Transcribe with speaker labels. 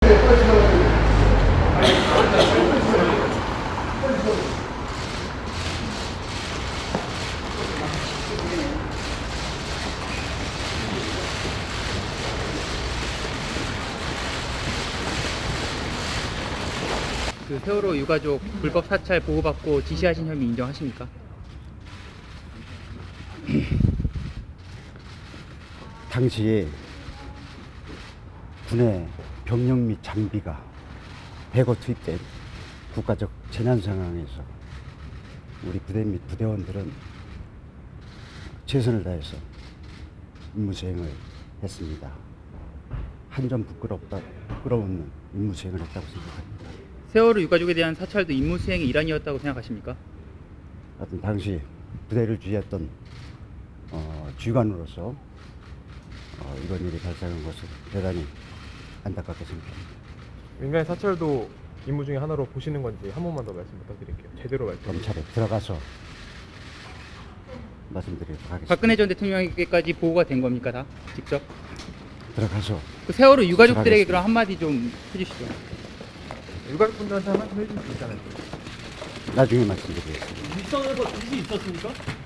Speaker 1: 그 세월호 유가족 불법 사찰 보호받고 지시하신 혐의 인정하십니까?
Speaker 2: 당시에 군의 병력 및 장비가 대거 투입된 국가적 재난 상황에서 우리 부대 및 부대원들은 최선을 다해서 임무 수행을 했습니다. 한 점 부끄러운 임무 수행을 했다고 생각합니다.
Speaker 1: 세월호 유가족에 대한 사찰도 임무 수행의 일환이었다고 생각하십니까?
Speaker 2: 하여튼 당시 부대를 지휘했던 지휘관으로서 이런 일이 발생한 것을 대단히 안타깝게 생각합니다.
Speaker 3: 민간인 사찰도 임무 중에 하나로 보시는 건지 한 번만 더 말씀 부탁드릴게요. 제대로 말씀.
Speaker 2: 검찰에 들어가서 말씀드리도록 하겠습니다.
Speaker 1: 박근혜 전 대통령에게까지 보고가 된 겁니까, 다? 직접?
Speaker 2: 들어가서
Speaker 1: 그 세월호 유가족들에게
Speaker 2: 하겠습니다.
Speaker 1: 그럼 한마디 좀 해주시죠.
Speaker 3: 유가족분들한테 한 말씀 해줄 수 있잖아요.
Speaker 2: 나중에 말씀드리겠습니다.
Speaker 4: 윗선에서 지시 있었습니까?